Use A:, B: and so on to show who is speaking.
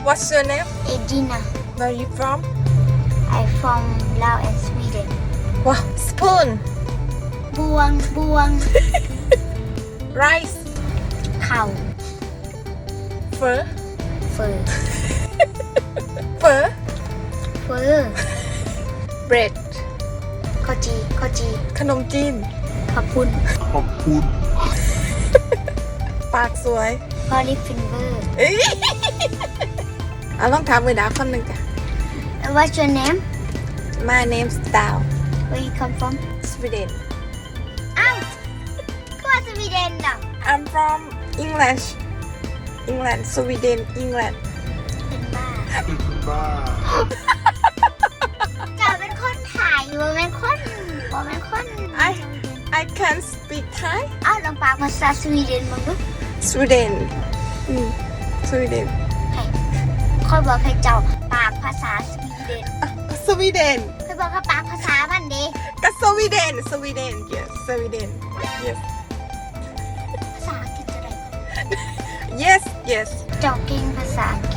A: What's your name?
B: Edina.
A: Where are you from?
B: I from Laos and Sweden.
A: Wow. Spoon.
B: Buang.
A: Rice.
B: เข่า
A: Phở.
B: เฟอ
A: Phở.
B: เฟอ
A: Bread.
B: ข้าวจี
A: ขนมจีน
B: ขอบคุณ
A: ปากสวย
B: พอลิฟฟินเวอร์
A: เอ้ยเอาลองถามมือดาวคนหนึ่งจ้ะ
B: What's your name
A: My name's Dao
B: Where you come from
A: Sweden
B: อ้าวก็ว่าสวีเดนเหรอ
A: I'm from England Sweden England
B: เป็นบ้าจะเป็นคนไทยบ่เป็นคน
A: I can speak Thai
B: อ้าวลองปากภาษาสวีเดนมึงดู
A: Sweden Sweden
B: ค่อยบอกให้เจ้าปากภาษาสวีเดน
A: Sweden
B: ค่อยบอกให้ปากภาษามันดิ
A: ก็ Sweden yes Sweden yes
B: ภาษาอังกฤษจะได้
A: yes
B: เจ้าเก่งภาษาอังกฤษ